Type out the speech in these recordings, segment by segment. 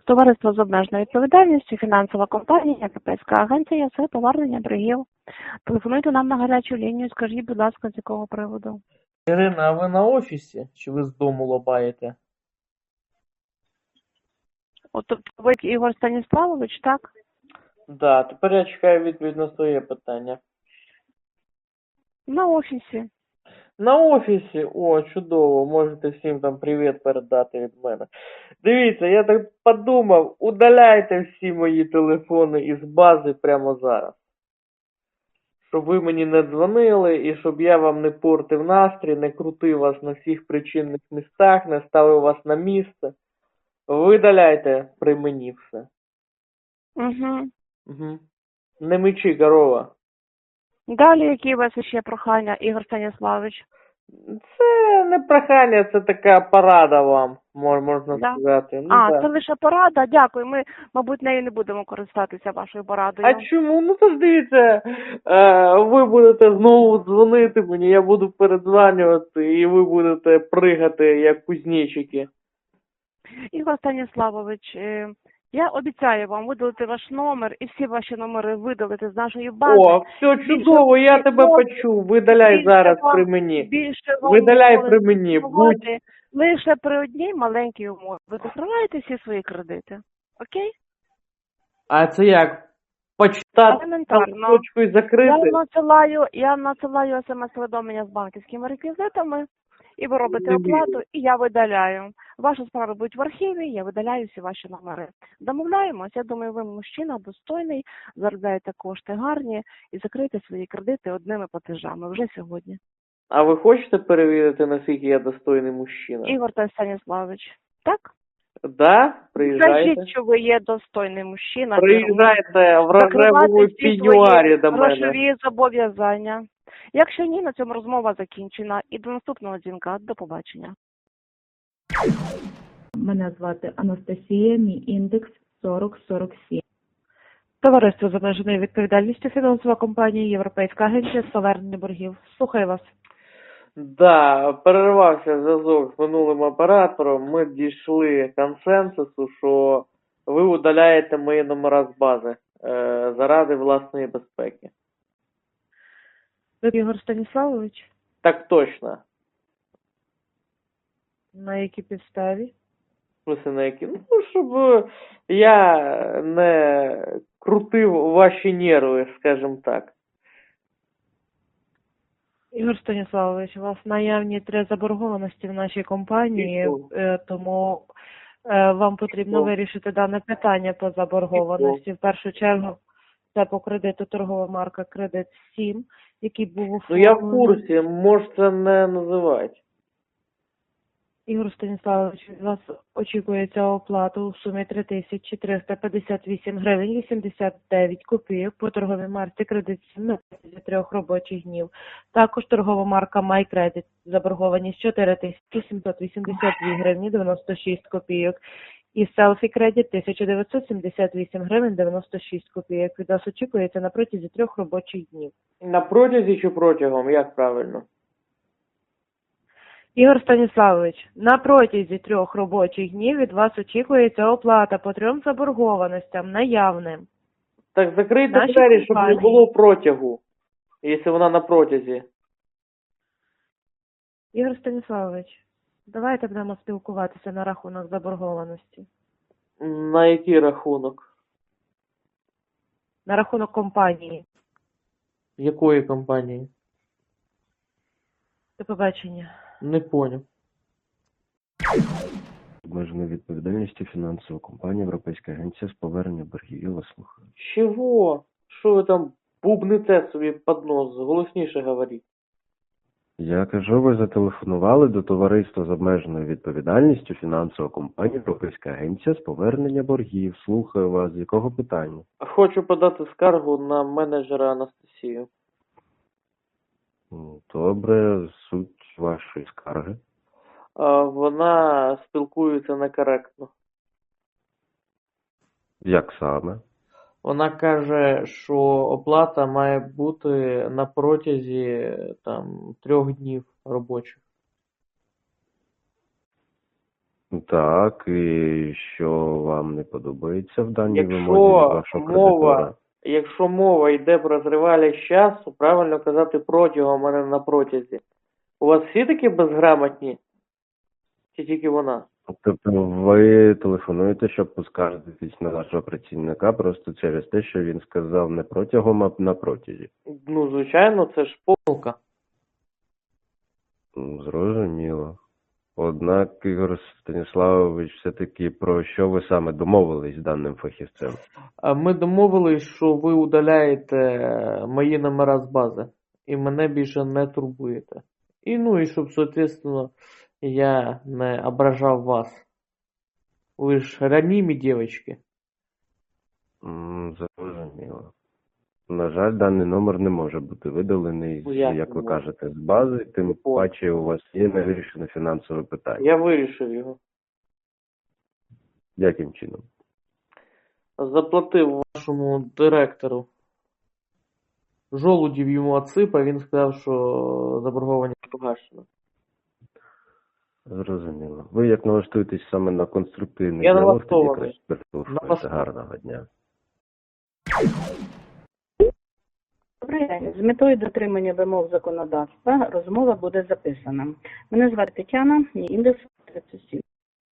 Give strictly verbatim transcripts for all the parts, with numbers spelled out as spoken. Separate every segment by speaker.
Speaker 1: Товариство з обмеженою відповідальністю, фінансова компанія, Європейська агенція з повернення боргів. Телефонуйте нам на гарячу лінію, скажіть, будь ласка, з якого приводу.
Speaker 2: Ірина, а ви на офісі? Чи ви з дому лобаєте?
Speaker 1: От тобто ви Ігор Станіславович, так?
Speaker 2: Да, тепер я чекаю відповідь на своє питання.
Speaker 1: На офісі.
Speaker 2: На офісі? О, чудово, можете всім там привіт передати від мене. Дивіться, я так подумав, удаляйте всі мої телефони із бази прямо зараз. Щоб ви мені не дзвонили і щоб я вам не портив настрій, не крутив вас на всіх причинних містах, не ставив вас на місце. Видаляйте при мені все.
Speaker 1: Угу.
Speaker 2: Угу. Не мечи, корова.
Speaker 1: Далі, які у вас ще прохання, Ігор Станіславович?
Speaker 2: Це не прохання, це така порада вам, мож- можна
Speaker 1: Да.
Speaker 2: сказати. Ну,
Speaker 1: А,
Speaker 2: да.
Speaker 1: це лише порада, дякую. Ми, мабуть, нею не будемо користатися вашою порадою.
Speaker 2: А чому? Ну то ж дивіться, е, ви будете знову дзвонити мені, я буду передзванювати, і ви будете пригати, як кузнечики.
Speaker 1: Ігор Станіславович, е, я обіцяю вам видалити ваш номер і всі ваші номери видалити з нашої бази.
Speaker 2: О, все чудово, я тебе почув. Видаляй
Speaker 1: більше
Speaker 2: зараз
Speaker 1: вам-
Speaker 2: при мені.
Speaker 1: Більше вам
Speaker 2: Видаляй
Speaker 1: ніколи
Speaker 2: при
Speaker 1: не
Speaker 2: мені. Будь.
Speaker 1: телефонувати лише при одній маленькій умові. Ви закриваєте всі свої кредити. Окей?
Speaker 2: А це як? Почитати
Speaker 1: Елементарно.
Speaker 2: точку і
Speaker 1: Я
Speaker 2: закрити?
Speaker 1: надсилаю, я надсилаю смс-повідомлення з банківськими реквізитами, і ви робите
Speaker 2: Не
Speaker 1: оплату, і я видаляю. Ваші справи будуть в архіві, я видаляю всі ваші номери. Домовляємось, я думаю, ви мужчина достойний, заробляєте кошти гарні і закриєте свої кредити одними платежами вже сьогодні.
Speaker 2: А ви хочете перевірити, наскільки я достойний мужчина?
Speaker 1: Ігор та Станіславович, так?
Speaker 2: Да? Приїжджайте.
Speaker 1: Скажіть, що ви є достойний мужчина.
Speaker 2: Приїжджайте в рожевому
Speaker 1: закривати всі
Speaker 2: пеньюарі
Speaker 1: свої
Speaker 2: до мене.
Speaker 1: грошові зобов'язання. Якщо ні, на цьому розмова закінчена. І до наступного дзвінка. До побачення.
Speaker 3: Мене звати Анастасія, мій індекс сорок сорок сім.
Speaker 1: Товариство з обмеженою відповідальністю, фінансова компанія, Європейська агенція з повернення боргів. Слухаю вас.
Speaker 2: Да, перервався зв'язок з минулим оператором. Ми дійшли консенсусу, що ви удаляєте мої номера з бази е, заради власної безпеки.
Speaker 1: Ви Ігор Станіславович?
Speaker 2: Так точно.
Speaker 1: На якій підставі?
Speaker 2: В смысле, на які? Ну, щоб е, я не крутив ваші нерви, скажімо так.
Speaker 1: Ігор Станіславович, у вас наявні три заборгованості в нашій компанії,
Speaker 2: І що?
Speaker 1: е, тому е, вам потрібно
Speaker 2: що?
Speaker 1: вирішити дане питання по заборгованості. В першу чергу це по кредиту торгова марка «Кредит сім», який був
Speaker 2: Ну я в
Speaker 1: оформлений.
Speaker 2: курсі, можете не називати.
Speaker 1: Ігор Станіславович, від вас очікується оплата у сумі три тисячі триста п'ятдесят вісім гривень вісімдесят дев'ять копійок по торговій марці «Кредит сім» на протязі трьох робочих днів. Також торгова марка «MyCredit» заборгованість чотири тисячі сімсот вісімдесят дві гривні дев'яносто шість копійок. І «Селфі Кредит» тисяча дев'ятсот сімдесят вісім гривень дев'яносто шість копійок. Від вас очікується на протязі трьох робочих днів.
Speaker 2: На протязі чи протягом, як правильно?
Speaker 1: Ігор Станіславович, на протязі трьох робочих днів від вас очікується оплата по трьом заборгованостям наявним.
Speaker 2: Так закрийте
Speaker 1: Наші
Speaker 2: двері, щоб не
Speaker 1: компанії.
Speaker 2: було протягу, якщо вона на протязі.
Speaker 1: Ігор Станіславович, давайте будемо спілкуватися на рахунок заборгованості.
Speaker 2: На який рахунок?
Speaker 1: На рахунок компанії.
Speaker 2: Якої компанії?
Speaker 1: До побачення.
Speaker 2: Не поняв.
Speaker 4: Обмеженою відповідальністю фінансова компанія Європейська агенція з повернення боргів. Я вас слухаю.
Speaker 2: Чого? Що ви там бубните собі під нос? Голосніше говоріть.
Speaker 4: Я кажу, ви зателефонували до товариства з обмеженою відповідальністю фінансова компанія Європейська агенція з повернення боргів. Слухаю вас. З якого питання?
Speaker 2: Хочу подати скаргу на менеджера Анастасію.
Speaker 4: Ну, добре, суть вашої скарги.
Speaker 2: А, Вона спілкується некоректно.
Speaker 4: Як саме?
Speaker 2: Вона каже, що оплата має бути на протязі там трьох днів робочих.
Speaker 4: Так, і що вам не подобається в даній вимозі від
Speaker 2: Якщо
Speaker 4: вашого кредитора?
Speaker 2: мова, якщо мова йде про тривалість часу, правильно казати протягом, а не на протязі. У вас всі такі безграмотні? Чи тільки вона?
Speaker 4: Тобто ви телефонуєте, щоб поскаржитись на вашого працівника просто через те, що він сказав не протягом, а на протязі.
Speaker 2: Ну, звичайно, це ж помилка.
Speaker 4: М, Зрозуміло. Однак, Ігор Станіславович, все-таки про що ви саме домовились з даним фахівцем?
Speaker 2: А Ми домовились, що ви удаляєте мої номера з бази і мене більше не турбуєте. І ну і щоб, соответственно, я не ображав вас. Ви ж ранімі дівчатки.
Speaker 4: М, Зрозуміло. На жаль, даний номер не може бути видалений,
Speaker 2: Ну, як
Speaker 4: як
Speaker 2: не
Speaker 4: ви
Speaker 2: може?
Speaker 4: кажете, з бази, тим
Speaker 2: О.
Speaker 4: паче у вас є невирішене фінансове питання.
Speaker 2: Я вирішив його.
Speaker 4: Яким чином?
Speaker 2: Заплатив вашому директору. Жолудів йому отсипав, він сказав, що заборгованість погашена.
Speaker 4: Зрозуміло. Ви як налаштуєтесь саме на конструктивний
Speaker 2: Я
Speaker 4: діалог, тоді
Speaker 2: налаштований.
Speaker 4: краще перетелефонуйте.
Speaker 2: Налаштований.
Speaker 4: Гарного дня.
Speaker 5: Добрий день. З метою дотримання вимог законодавства розмова буде записана. Мене звати Тетяна, мій індекс тридцять сім.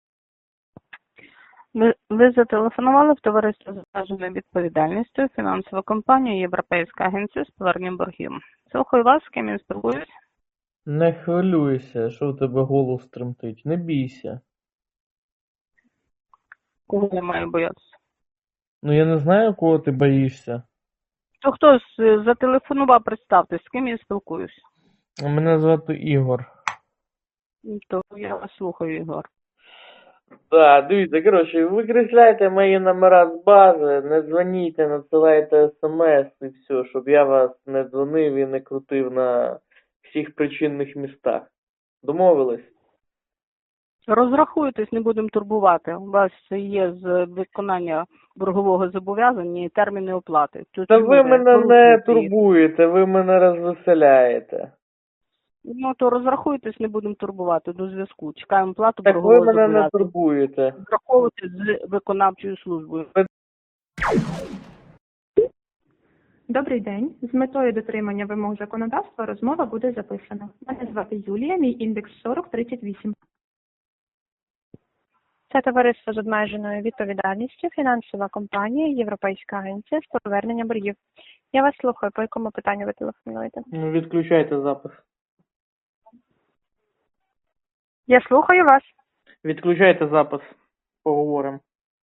Speaker 6: Ви, ви зателефонували в товариство з обмеженою відповідальністю, фінансову компанію Європейська агенція з повернення боргів. Слухаю вас, з ким я спілкуюсь.
Speaker 2: Не хвилюйся, що в тебе голос тремтить. Не бійся.
Speaker 6: Кого я маю боятися?
Speaker 2: Ну я не знаю, кого ти боїшся.
Speaker 6: То хтось е, зателефонував, представтесь, з ким я спілкуюсь.
Speaker 2: Мене звати Ігор.
Speaker 6: То я вас слухаю, Ігор.
Speaker 2: Так, дивіться, коротше, викресляйте мої номера з бази, не дзвоніть, надсилайте смс і все, щоб я вас не дзвонив і не крутив на всіх причинних містах. Домовились?
Speaker 6: Розрахуйтесь, не будемо турбувати. У вас є з виконання боргового зобов'язання і терміни оплати. Тут
Speaker 2: Та
Speaker 6: чому
Speaker 2: ви мене не
Speaker 6: порушуєте їх?
Speaker 2: турбуєте, ви мене розвеселяєте.
Speaker 6: Ну, то розрахуйтесь, не будемо турбувати до зв'язку. Чекаємо плату
Speaker 2: Так ви
Speaker 6: боргового
Speaker 2: мене не
Speaker 6: зобов'язання.
Speaker 2: турбуєте.
Speaker 6: Враховувати з виконавчою службою.
Speaker 3: Добрий день. З метою дотримання вимог законодавства розмова буде записана. Мене звати Юлія, мій індекс сорок тридцять вісім.
Speaker 7: Це товариство з обмеженою відповідальністю, фінансова компанія, Європейська агенція з повернення боргів. Я вас слухаю, по якому питанню ви телефонуєте?
Speaker 2: Ну, відключайте запис.
Speaker 7: Я слухаю вас.
Speaker 2: Відключайте запис. Поговоримо.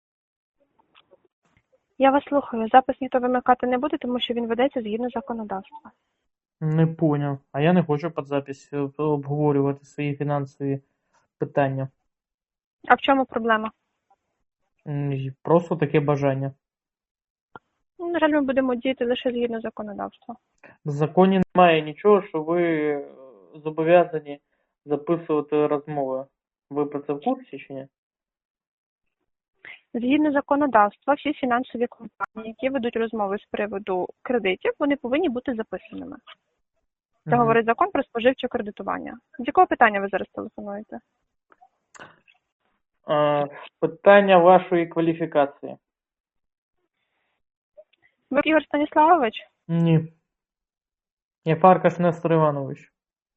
Speaker 7: Я вас слухаю. Запис ніхто вимикати не буде, тому що він ведеться згідно законодавства.
Speaker 2: Не поняв. А я не хочу під запись обговорювати свої фінансові питання.
Speaker 7: А в чому проблема?
Speaker 2: М, Просто таке бажання.
Speaker 7: Ну, на жаль, ми будемо діяти лише згідно законодавства.
Speaker 2: В законі немає нічого, що ви е, зобов'язані записувати розмови. Ви про це в курсі чи ні?
Speaker 7: Згідно законодавства, всі фінансові компанії, які ведуть розмови з приводу кредитів, вони повинні бути записаними. Це
Speaker 2: Мгм.
Speaker 7: говорить закон про споживче кредитування. З якого питання ви зараз телефонуєте?
Speaker 2: Е, Питання вашої кваліфікації.
Speaker 7: Ви Ігор Станіславович?
Speaker 2: Ні. Я Фаркаш Нестор Іванович.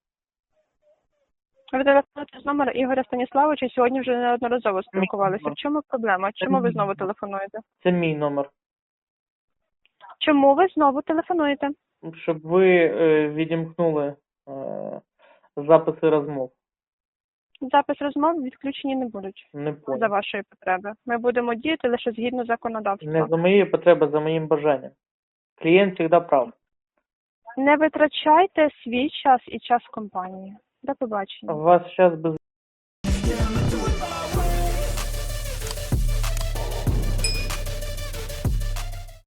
Speaker 7: Ви телефонуєте з номера Ігоря Станіславовича, сьогодні вже неодноразово спілкувалися. В чому проблема? Чому ви знову телефонуєте?
Speaker 2: Це мій номер.
Speaker 7: Чому ви знову телефонуєте?
Speaker 2: Щоб ви е, відімкнули е, записи розмов.
Speaker 7: Запис розмов відключені не будуть
Speaker 2: Не
Speaker 7: за
Speaker 2: понял.
Speaker 7: вашої потреби. Ми будемо діяти лише згідно законодавства.
Speaker 2: Не за моєю потребою, за моїм бажанням. Клієнт завжди прав.
Speaker 7: Не витрачайте свій час і час компанії. До побачення.
Speaker 2: У вас зараз без